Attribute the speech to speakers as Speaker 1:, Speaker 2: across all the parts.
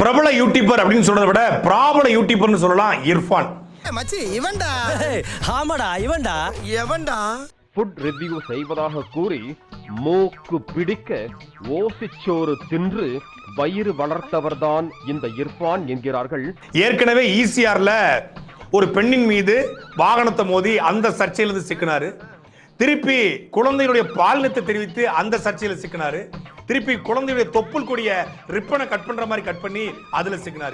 Speaker 1: பிரபல யூடியூபர் அப்படின்னு சொல்றதை விட பிராபல யூடியூபர்னு சொல்லலாம் இர்ஃபான்.
Speaker 2: மச்சி இவன்டா.
Speaker 3: ஆமாடா இவன்டா.
Speaker 2: எவன்டா?
Speaker 4: ஃபுட் ரிவ்யூ செய்வதாக கூறி மூக்கு பிடிக்க ஓசிச்சோறு தின்று வயிறு வளர்த்தவர்தான் இந்த இர்ஃபான் என்கிறார்கள்.
Speaker 1: ஏற்கனவே ஈசிஆர்ல ஒரு பெண்ணின் மீது வாகனத்தை மோதி அந்த சர்ச்சையிலிருந்து சிக்கினாரு. திருப்பி குழந்தையுடைய பாலினத்தை தெரிவித்து அந்த சர்ச்சையில சிக்கினாரு. திருப்பி குழந்தையுடைய தொப்புள் கொடிய ரிப்பனை கட் பண்ற மாதிரி கட் பண்ணி அதுல சிக்கினாரு.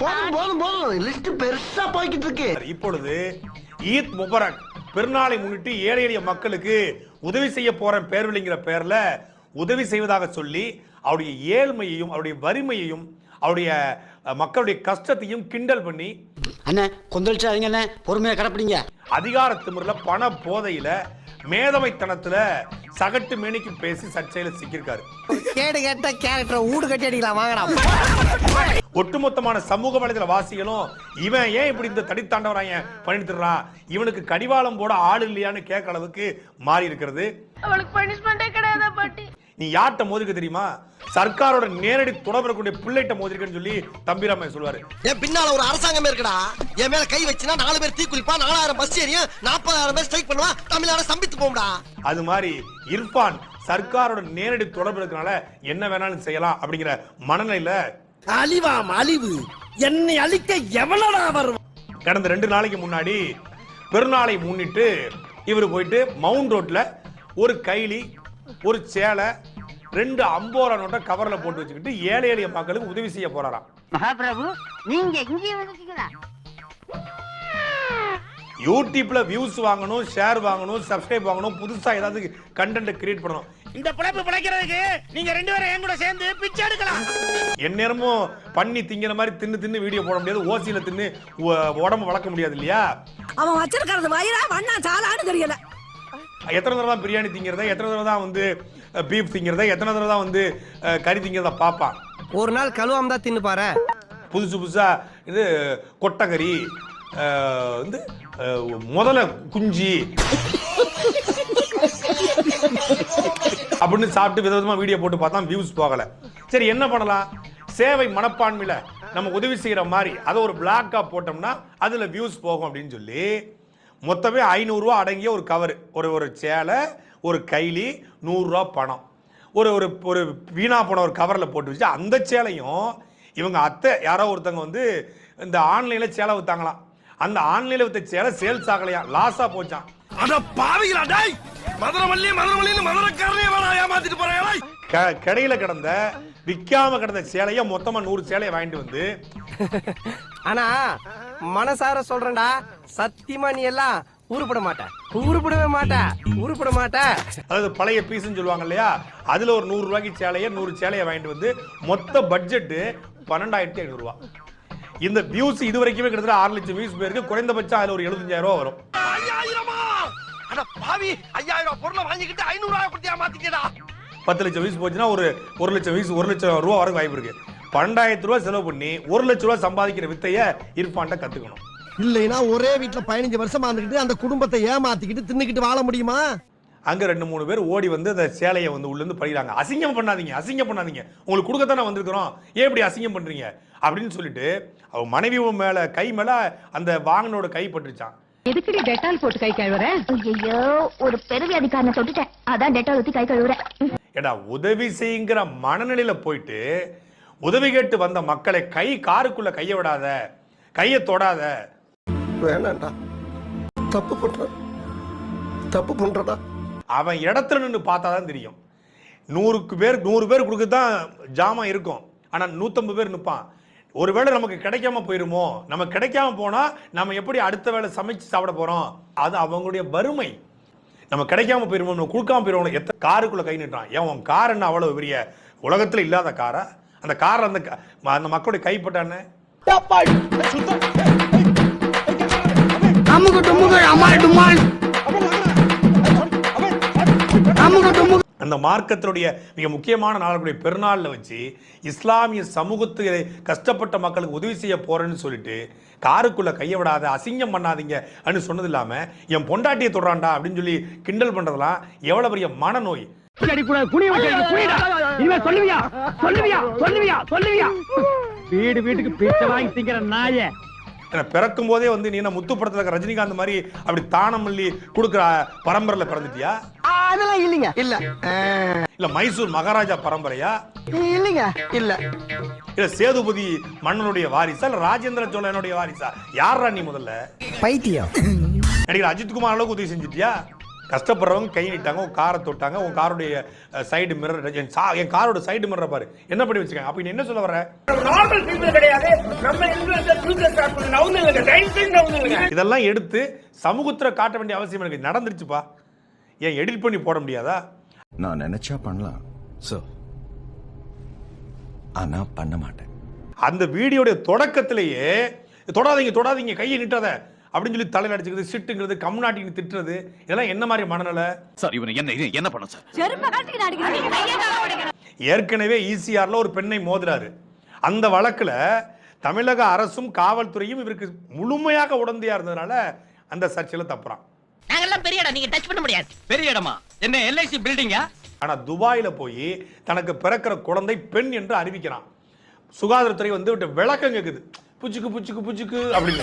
Speaker 1: இப்பொழுது ஈத் முபரக் பெருநாளை முன்னிட்டு ஏழை எளிய மக்களுக்கு உதவி செய்ய போற பேர்வழிங்கிற பேர்ல உதவி செய்வதாக சொல்லி அவருடைய ஏழ்மையையும் அவருடைய வறுமையையும் அவருடைய மக்களுடைய கஷ்டத்தையும் கிண்டல் பண்ணி
Speaker 3: அண்ணே கொந்தளிச்சாதீங்க அண்ணே, பொறுமையா கடப்பிடிங்க.
Speaker 1: அதிகார திமிர்ல பண போதையில மேதமைத்தனத்துல சகட்டு மேனிக்கு பேசி சர்ச்சையில சிக்கிருக்காரு.
Speaker 2: கேடு கேட்ட கேரக்டர் ஊடு கட்டி அடிக்கலாம் வாங்கடா.
Speaker 1: ஒட்டுமொத்தமான சமூக வலைதள வாசிகளும் இவன் ஏன் இப்படி இந்த தடித்தாண்டவராய பண்ணிட்டுறான், இவனுக்கு கடிவாளம் போட ஆள் இல்லையான்னு கேட்க அளவுக்கு மாறி இருக்கிறது.
Speaker 5: அவளுக்கு பனிஷ்மெண்டே கிடையாதா பாட்டி?
Speaker 1: நீ யார்கிட்ட மோதிக்க தெரியுமா? சர்க்காரோட நேரடி தொடர்பு பிள்ளைகிட்ட மோதிருக்கன்னு சொல்லி தம்பிராமன் சொல்லுவாரு.
Speaker 2: என் பின்னால ஒரு அரசாங்கம் இருக்குடா. என் மேல கை வச்சுனா 4 பேர் தீ குளிப்பா, 4000 பஸ் ஏறியும் 40000 பேர் ஸ்ட்ரைக் பண்ணுவா, தமிழ்நாடு சம்பித்து போம்டா.
Speaker 1: அது மாதிரி இர்ஃபான் சர்க்காரோட நேரடி தொடர்பு இருக்கனால என்ன வேணாலும் செய்யலாம் அப்படிங்கிற மனநிலையில
Speaker 3: அழிவாம் அழிவு என்னை அழிக்க எவனடா வரும்.
Speaker 1: கடந்த 2 நாளைக்கு முன்னாடி பெருநாளை முன்னிட்டு இவர் போயிட்டு மவுண்ட் ரோட்ல ஒரு கைலி ஒரு சேலை 2 50 நோட்டை கவர்ல போட்டு வச்சுக்கிட்டு ஏழை எளிய மக்களுக்கு உதவி செய்ய போறாராம்.
Speaker 5: மகாபிரபு நீங்க இங்கே வந்துட்டீங்களா?
Speaker 1: யூடியூப்ல வியூஸ் வாங்கணும், ஷேர் வாங்கணும், சப்ஸ்கிரைப் வாங்கணும், புதுசா ஏதாவது கண்டென்ட் கிரியேட் பண்ணணும்.
Speaker 3: இந்த பிழைப்பு பிழைக்கிறதுக்கு நீங்க 2 பேரும் என் கூட சேர்ந்து பிச்சை எடுக்கலாம்.
Speaker 1: எந்நேரமும் பண்ணி திங்கிற மாதிரி தின்னு வீடியோ போட முடியாது, ஓசியில தின்னு உடம்பு வளர்க்க முடியாது இல்லையா?
Speaker 6: அவன் வச்சிருக்கிறது வயிறா வண்ணா சாலான்னு தெரியல.
Speaker 1: எத்தனை தடவை தான் பிரியாணி திங்கிறத, எத்தனை தடவை தான் வந்து பீஃப் திங்கிறத, எத்தனை தடவை தான் வந்து கறி திங்கிறத பார்ப்பான்.
Speaker 2: ஒரு நாள் கழுவாம தான் தின்னு பாரு.
Speaker 1: புதுசா இது கொட்டக்கறி வந்து முதல்ல குஞ்சி அப்படின்னு சாப்பிட்டு விதவிதமா வீடியோ போட்டு பார்த்தா வியூஸ் போகல. சரி என்ன பண்ணலாம்? சேவை மனப்பான்மையில நம்ம உதவி செய்யற மாதிரி அதை ஒரு பிளாக்கா போட்டோம்னா அதுல வியூஸ் போகும் அப்படின்னு சொல்லி மொத்தமே 500 ரூபா அடங்கிய ஒரு கவர், ஒரு சேலை, ஒரு கைலி, 100 ரூபா பணம், ஒரு ஒரு வீணா போன ஒரு கவர்ல போட்டு வச்சு அந்த சேலையும் இவங்க அத்தை யாரோ ஒருத்தவங்க வந்து இந்த ஆன்லைன்ல சேலை வித்தாங்களாம். அந்த ஆன்லைன்ல வித்த சேலை சேல்ஸ் ஆகலையா, லாஸா போச்சான்.
Speaker 3: அட பாவிகளா டேய், மதுரமல்லின்னு மதுரக்காரனே வேணா ஏமாத்திட்டு போறாயா?
Speaker 1: கடையில கிடந்த விக்காம கிடந்த சேலைய மொத்தமா 100 சேலையை வாங்கிட்டு வந்து
Speaker 2: ஆனா மனசார சொல்றேன்டா, சத்தியமா நீ எல்லாம் உருப்பட மாட்ட.
Speaker 1: அதாவது பழைய பீஸ்ன்னு சொல்லுவாங்க இல்லையா, அதுல ஒரு 100 ரூபாய்க்கு சேலைய 100 சேலையை வாங்கிட்டு வந்து மொத்த பட்ஜெட் 12,500 ரூபாய். இந்த வியூஸ் இது வரைக்குமே கிட்டத்தட்ட 6 லட்சம் வியூஸ் போயிருக்கு. குறைந்தபட்சம் அதுல ஒரு 75,000 ரூபாய் வரும். 10 லட்சம் வியூஸ் போச்சுன்னா ஒரு 1 லட்சம் வியூஸ் 1 லட்சம் ரூபாய் வரைக்கும் வாய்ப்பு இருக்கு. 12,000 ரூபாய் செலவு பண்ணி 1 லட்சம் ரூபாய் சம்பாதிக்கிற வித்தைய இர்ஃபான்ட்ட கத்துக்கணும்.
Speaker 2: இல்லைன்னா ஒரே வீட்டுல 15 வருஷமா இருந்துகிட்டு அந்த குடும்பத்தை ஏமாத்திக்கிட்டு தின்னுக்கிட்டு வாழ முடியுமா?
Speaker 1: அங்க 2-3 பேர் ஓடி வந்து அந்த சேலையை வந்து உள்ள இருந்து படிக்கிறாங்க. அசிங்கம் பண்ணாதீங்க, உங்களுக்கு கொடுக்கத்தானே வந்திருக்கிறோம், ஏன் இப்படி அசிங்கம் பண்றீங்க அப்படின்னு சொல்லிட்டு அவ மனைவி மேல கை மேல அந்த வாங்கனோட கை பட்டுச்சான்.
Speaker 6: எதுக்குடி டெட்டால் போட்டு கை கழுவுற?
Speaker 5: ஐயோ ஒரு பெருவியாதிக்காரனை தொட்டுட்டேன், அதான் டெட்டால் ஊத்தி கை கழுவுறேன்.
Speaker 1: ஏடா உதவி செய்யுங்கிற மனநிலையில போயிட்டு உதவி கேட்டு வந்த மக்களை காருக்குள்ள கைய விடாத, கைய தொடாத.
Speaker 2: வேணாண்டா, தப்பு பண்றடா.
Speaker 1: அவன் இடத்துல நின்று பார்த்தாதான் தெரியும். 100 பேர் கொடுக்கதான் ஜாமான் இருக்கும், ஆனா 150 பேர் நிற்பான். ஒருவேளை நமக்கு கிடைக்காம போயிருமோ, நம்ம கிடைக்காம போனா நம்ம எப்படி அடுத்த வேளை சமைச்சு சாப்பிட போறோம், அது அவங்களுடைய வறுமை. நம்ம கிடைக்காம போயிருமோ, நம்ம கொடுக்காம போயிருவோம். எத்தனை காருக்குள்ள கை நிட்டான். ஏன் உன் கார் என்ன அவ்வளவு பெரிய உலகத்துல இல்லாத காரா? அந்த கார் அந்த மக்களுடைய கைப்பட்டானே. அந்த மார்க்கத்தினுடைய மிக முக்கியமான நாளுடைய பெருநாள்ல வச்சு இஸ்லாமிய சமூகத்துக்கு கஷ்டப்பட்ட மக்களுக்கு உதவி செய்ய போறேன்னு சொல்லிட்டு காருக்குள்ள கைய விடாத, அசிங்கம் பண்ணாதீங்க அப்படின்னு சொன்னது இல்லாம என் பொண்டாட்டியை தொடுறான்டா அப்படின்னு சொல்லி கிண்டல் பண்றதெல்லாம் எவ்வளவு பெரிய மனநோய்.
Speaker 7: வீடு வீட்டுக்கு பிச்சை வாங்கி திங்கிற நாயே.
Speaker 1: ஏன்னா பிறக்கும் போதே வந்து நீ என்ன முத்து படத்துல இருக்க ரஜினிகாந்த் மாதிரி அப்படி தானமல்லி கொடுக்குற பரம்பரையில பிறந்துட்டியா?
Speaker 2: அதெல்லாம் இல்லைங்க. இல்ல
Speaker 1: இல்ல மைசூர் மகாராஜா பரம்பரையா?
Speaker 2: இல்லைங்க. இல்ல
Speaker 1: இல்ல சேதுபதி மன்னனுடைய வாரிசா இல்ல ராஜேந்திர சோழனுடைய வாரிசா? யாரா நீ முதல்ல?
Speaker 2: பைத்தியம்.
Speaker 1: நடிகர் அஜித்குமார் அளவுக்கு உதவி செஞ்சுட்டியா? கஷ்டப்படுறவங்க கை நீட்டாங்க, உன் காரை தொட்டாங்க, உன் காருடைய சைடு மிரர், என் காரோட சைடு மிரர் பாரு என்ன பண்ணி வச்சிருக்காங்க. அப்ப நீ என்ன சொல்ல வர?
Speaker 7: நார்மல் பீப்பிள் கிடையாது. நம்ம இன்ஃப்ளூயன்சர் ஃபியூச்சர் ஸ்டார்ட் பண்ண நவுந்து இல்லங்க. டைல்ஸ் நவுந்து இல்லங்க.
Speaker 1: இதெல்லாம் எடுத்து சமூகத்துல காட்ட வேண்டிய அவசியம் எனக்கு நடந்துருச்சுப்பா. ஏன் எடிட் பண்ணி போட முடியாதா?
Speaker 8: நான் நினைச்சா பண்ணலாம் சார், ஆனா பண்ண மாட்டேன்.
Speaker 1: அந்த வீடியோட தொடக்கத்திலேயே தொடாதீங்க கையை நீட்டாத அப்படின்னு சொல்லி தலையில அடிச்சுக்கிறது, சிட்டுங்கிறது, கம்நாட்டின்னு திட்டுறது, இதெல்லாம் என்ன மாதிரி மனநிலை
Speaker 3: சார்? இவனை என்ன பண்ண சார்?
Speaker 1: ஏற்கனவே ஈசிஆர்ல ஒரு பெண்ணை மோதுறாரு. அந்த வழக்குல தமிழக அரசும் காவல்துறையும் இவருக்கு முழுமையாக உடந்தையா இருந்ததுனால அந்த சர்ச்சையில தப்புறான்.
Speaker 9: நாங்கெல்லாம் பெரிய இடம், நீங்க டச் பண்ண முடியாது. பெரிய இடமா? என்ன எல்ஐசி பில்டிங்கா?
Speaker 1: ஆனா துபாயில போய் தனக்கு பிறக்கிற குழந்தை பெண் என்று அறிவிக்கிறான். சுகாதாரத்துறை வந்து விளக்கம் கேக்குது, புச்சுக்கு அப்படின்னு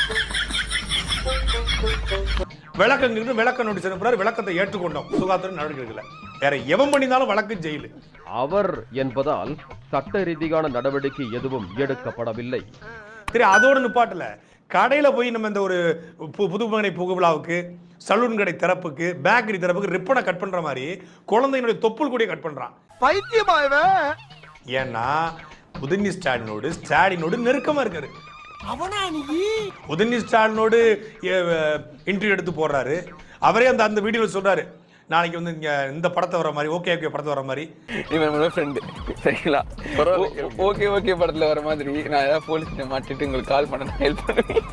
Speaker 1: விளக்க நோட்டீஸ் அனுப்புறாரு. விளக்கத்தை ஏற்றுக்கொண்டோம், சுகாதார நடவடிக்கைகள். வேற எவன் பண்ணினாலும் வழக்கு ஜெயிலு.
Speaker 4: அவர் என்பதால் சட்ட ரீதியான நடவடிக்கை எதுவும் எடுக்கப்படவில்லை.
Speaker 1: சரி, அதோட நிப்பாட்டல. கடையில போய் நம்ம இந்த ஒரு புதுமனை புகுவிழாவுக்கு, சலூன் கடை திறப்புக்கு, பேக்கரி திறப்புக்கு ரிப்பனை கட் பண்ற மாதிரி குழந்தைகளுடைய தொப்புள் கூடிய கட் பண்றான்.
Speaker 2: பைத்தியமா இவன்?
Speaker 1: ஏன்னா உதயநிதி ஸ்டாலினோடு நெருக்கமா இருக்காரு. உதயநிதி ஸ்டாலினோடு இன்டர்வியூ எடுத்து போடுறாரு. அவரே அந்த வீடியோல சொல்றாரு, நாளைக்கு வந்து இந்த படத்தை வர மாதிரி, ஓகே படத்தை வர மாதிரி,
Speaker 10: இவன் ஃப்ரெண்டு சரிங்களா, ஓகே படத்துல வர மாதிரி நான் ஏதாவது போலீஸ் மாட்டிட்டு உங்களுக்கு கால் பண்ண ஹெல்ப் பண்ணுவேன்.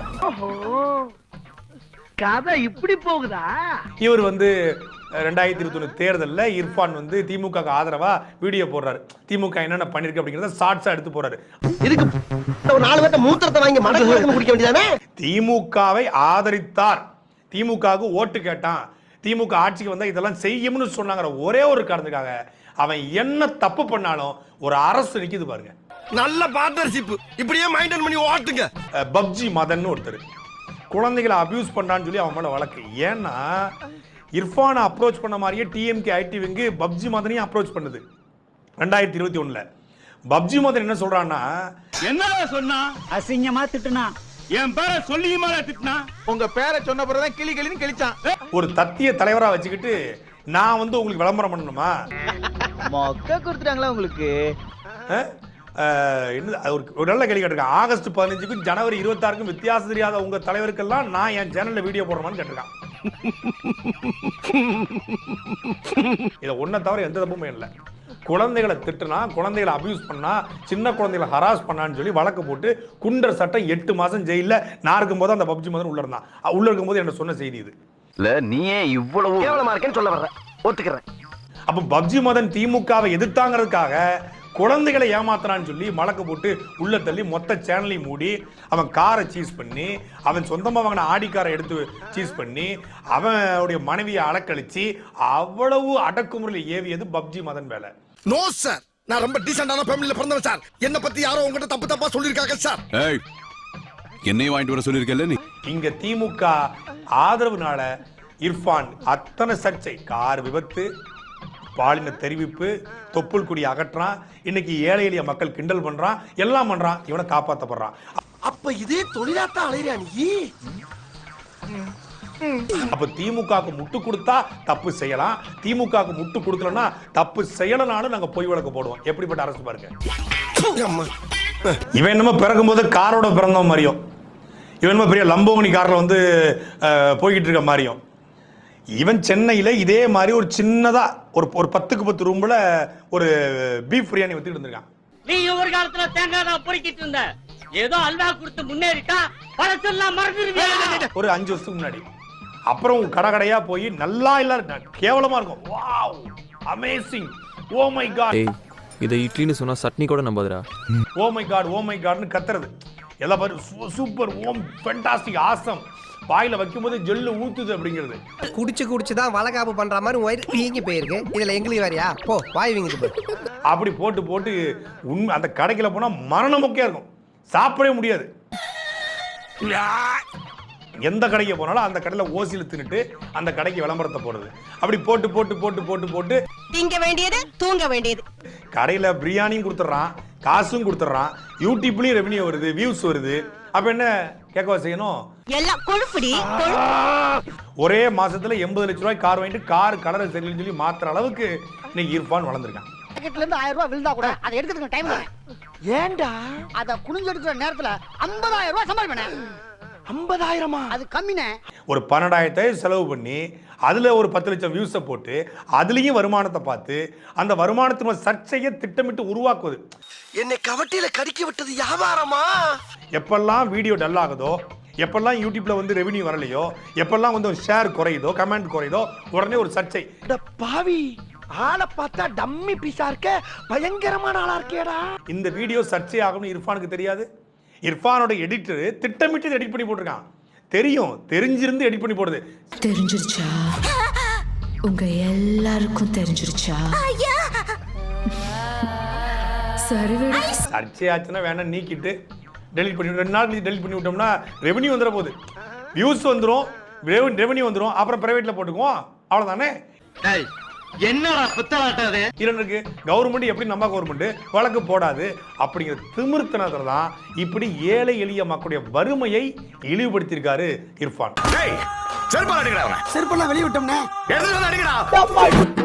Speaker 7: கதை இப்படி போகுதா?
Speaker 1: இவர் வந்து 2021 தேர்தலில் இர்ஃபான் வந்து திமுக ஆதரவா வீடியோ போடுறாரு. திமுக என்னென்ன பண்ணிருக்கு அப்படிங்கறத ஷார்ட்ஸா எடுத்து போறாரு.
Speaker 2: இதுக்கு ஒரு 4 பேர்த்த மூத்திரத்தை வாங்கி மடக்கு குடிக்க வேண்டியதானே?
Speaker 1: திமுகவை ஆதரித்தார், திமுகவுக்கு ஓட்டு கேட்டான், திமுக ஆட்சிக்கு வந்தா இதெல்லாம் செய்யும்னு சொன்னாங்க. ஒரே ஒரு காரணத்துக்காக அவன் என்ன தப்பு பண்ணாலும் ஒரு அரசு நிக்குது பாருங்க.
Speaker 3: நல்ல பார்ட்னர்ஷிப், இப்படியே மெயின்டைன் பண்ணி ஓட்டுங்க.
Speaker 1: பப்ஜி மதன் ஒருத்தர் குழந்தைகளை அபியூஸ் பண்ணான்னு சொல்லி அவன் மேல வழக்கு. ஏன்னா இர்ஃபானை அப்ரோச் பண்ண மாதிரியே டிஎம்கே ஐடி விங்கு பப்ஜி மதனையும் அப்ரோச் பண்ணுது 2021. பப்ஜி மதன் என்ன சொல்றான்னா,
Speaker 7: என்னடா சொன்னா? அசிங்கமா திட்டுனா, என் பேரை சொல்லியுமா திட்டுனா?
Speaker 10: உங்க பேரை சொன்ன பிறகுதான் கிளின்னு கிழிச்சான்.
Speaker 1: ஒரு தத்திய தலைவரா வச்சுக்கிட்டு நான் வந்து உங்களுக்கு விளம்பரம் பண்ணணுமா?
Speaker 10: மொக்க கொடுத்துட்டாங்களா உங்களுக்கு?
Speaker 1: ஒரு நல்ல கேள்வி கேட்டிருக்கான். ஆகஸ்ட் 15க்கும் ஜனவரி 26க்கும் வித்தியாசம் தெரியாத உங்க தலைவருக்கெல்லாம் நான் என் சேனல்ல வீடியோ போடுறேன்னு கேட்டிருக்கான். இதை ஒன்ன தவிர எந்த தப்புமே இல்லை. குழந்தைகளை திட்டுனா, குழந்தைகளை அபியூஸ் பண்ணா, சின்ன குழந்தைகளை ஹராஸ் பண்ணான்னு சொல்லி வழக்கு போட்டு குண்டர் சட்டம் 8 மாசம் ஜெயில நான் இருக்கும்போது அந்த பப்ஜி மதன் உள்ள இருந்தான். உள்ள இருக்கும்போது என்ன சொன்ன செய்தி இது.
Speaker 2: இல்ல நீயே இவ்வளவு கேவலமா இருக்கேன்னு சொல்ல வர்ற, ஒத்துக்கிறேன்.
Speaker 1: அப்ப பப்ஜி மதன் திமுகவை எதிர்த்தாங்கிறதுக்காக குழந்தைகளை ஏமாத்துறான்னு சொல்லி வழக்கு போட்டு உள்ள தள்ளி மொத்த சேனலையும் மூடி, அவன் காரை சீஸ் பண்ணி, அவன் சொந்தமா வாங்கின ஆடி காரை எடுத்து சீஸ் பண்ணி, அவனுடைய மனைவியை அலக்கழிச்சு அவ்வளவு அடக்குமுறையில் ஏவியது பப்ஜி மதன் வேலை.
Speaker 3: நோ சார், நான் ரொம்ப டீசென்டான ஃபேமிலில பிறந்தவன் சார். என்ன பத்தி யாரோ உங்ககிட்ட தப்பா சொல்லிருக்காங்க சார்.
Speaker 8: ஏய், என்னையும் வாங்கிட்டு வர சொல்லிருக்கல நீ.
Speaker 1: இங்க திமுக ஆதரவுனால இர்ஃபான் அத்தனை சர்ச்சை, கார் விபத்து, பாலின தெரிவிப்பு, தொப்புள் குடி அகற்றான், இன்னைக்கு ஏழை எளிய மக்கள் கிண்டல் பண்றான், எல்லாம் பண்றான், இவனை காப்பாற்றப்படுறான்.
Speaker 2: அப்ப இதே தொழிலாத்தான் அலையிறியா நீ?
Speaker 1: அப்ப திமுகவுக்கு முட்டு கொடுத்தா தப்பு செய்யலாம், திமுகவுக்கு முட்டு கொடுக்கலன்னா தப்பு செய்யலனாலும் நாங்க பொய் வழக்கு போடுவோம். எப்படிப்பட்ட அரசு பாருங்க. இவன் என்னமோ பிறக்கும் போது காரோட பிறந்தவன் மாதிரியும், இவன் என்னமோ பெரிய லம்போகினி கார்ல வந்து போய்கிட்டு இருக்க மாதிரியும். இவன் சென்னையில இதே மாதிரி ஒரு சின்னதா ஒரு 10க்கு 10 ரூம்ல ஒரு பீஃப் பிரியாணி வச்சுட்டு இருந்திருக்கான்.
Speaker 9: நீ ஒரு காலத்துல தேங்காய் தான் பொறுக்கிட்டு இருந்த, ஏதோ அல்வா கொடுத்து முன்னேறிட்டா பழசெல்லாம் மறந்துடுவீங்க.
Speaker 1: ஒரு 5 வருஷத்துக்கு முன்னாடி. அப்புறம் கடகடையா போய் நல்லா இல்ல கேவலமா இருக்கும். Wow, amazing, oh my god.
Speaker 11: இதை இட்லின்னு சொன்னா சட்னி கூட நம்பாதுடா.
Speaker 1: ஓ மை காட்னு கத்துறது எல்லாம் பாரு, சூப்பர், ஓம், ஃபேண்டாஸ்டிக், ஆசம். வாயில வைக்கும் போது ஜெல்லு ஊத்துது அப்படிங்கிறது.
Speaker 2: குடிச்சுதான் வளகாப்பு பண்ற மாதிரி வயிறு வீங்கி போயிருக்கு. இதுல எங்களுக்கு வேறையா? போ வாய் வீங்கிட்டு போ.
Speaker 1: அப்படி போட்டு போட்டு உண்மை அந்த கடைக்குள்ள போனா மரணமொக்கையா இருக்கும், சாப்பிடவே முடியாது. எந்த கடைக்கு போனாலும் அந்த கடையில ஓசியில தின்னுட்டு அந்த கடைக்கு விளம்பரத்தை போடுறது. அப்படி போட்டு போட்டு போட்டு போட்டு போட்டு
Speaker 6: திங்க வேண்டியது தூங்க வேண்டியது.
Speaker 1: கடையில பிரியாணியும் கொடுத்துட்றான், காசும் கொடுத்துட்றான், யூடியூப்லயும் ரெவன்யூ வருது, வியூஸ் வருது. அப்ப என்ன கேட்கவா செய்யணும்?
Speaker 6: எல்லாம் கொழுப்புடி.
Speaker 1: ஒரே மாசத்துல 80 லட்சம் ரூபாய் கார் வாங்கிட்டு கார் கலரை சரியில்லைன்னு சொல்லி மாத்துற அளவுக்கு இன்னைக்கு இர்ஃபான் வளர்ந்துருக்கான்.
Speaker 2: பாக்கெட்ல இருந்து 1000 ரூபாய் விழுந்தா கூட அதை எடுக்கிறதுக்கு டைம் இல்லை. ஏன்டா அத குனிஞ்சு எடுக்கிற நேரத்துல 50000 ரூபாய் சம்பாதிப்பேன். 50000 அது கம்மினே. ஒரு 12000 செலவு பண்ணி அதுல ஒரு 10 லட்சம் வியூஸை போட்டு அதுலயும் வருமானத்தை பார்த்து அந்த வருமானத்தின் சர்ச்சையை திட்டமிட்டு உருவாக்குவது. என்னை கவட்டியில கடிக்க விட்டது வியாபாரமா?
Speaker 1: எப்பெல்லாம் வீடியோ டல் ஆகுதோ, எப்பெல்லாம் யூடியூப்ல வந்து ரெவன்யூ வரலையோ, எப்பெல்லாம் வந்து ஷேர் குறையுதோ, கமெண்ட் குறையுதோ, உடனே ஒரு சர்ச்சை.
Speaker 2: பாவி ஆளை பார்த்தா டம்மி பீஸா இருக்க, பயங்கரமான ஆளா இருக்கேடா. இந்த
Speaker 1: வீடியோ சர்ச்சை ஆகும்னு இர்ஃபானுக்கு தெரியாது. இர்ஃபானோட எடிட்டர் திட்டமிட்டு எடிட் பண்ணி போட்டிருக்கான். தெரியும், தெரிஞ்சிருந்து எடிட் பண்ணி போடுது.
Speaker 6: தெரிஞ்சிருச்சா? உங்க எல்லாருக்கும் தெரிஞ்சிருச்சா? சரி,
Speaker 1: சர்ச்சை ஆச்சுன்னா வேணா நீக்கிட்டு டெலிட் பண்ணி 2 நாள் டெலிட் பண்ணி விட்டோம்னா ரெவன்யூ வந்துட போகுது, வியூஸ் வந்துடும், ரெவன்யூ வந்துடும், அப்புறம் பிரைவேட்ல போட்டுக்குவோம், அவ்வளவுதானே.
Speaker 9: என்னடா புத்தலாட்டாது
Speaker 1: இருக்கு. கவர்மெண்ட் எப்படி நம்ம கவர்மெண்ட் வழக்கு போடாது அப்படிங்கிற திமிர்த்தனத்துல தான் இப்படி ஏழை எளிய மக்களுடைய வறுமையை இழிவுபடுத்தியிருக்காரு இர்ஃபான்.
Speaker 3: செருப்பால் அடிக்கடா,
Speaker 2: செருப்பெல்லாம் வெளிய விட்டோம்னே.
Speaker 3: எடுத்து வந்து அடிக்கடா.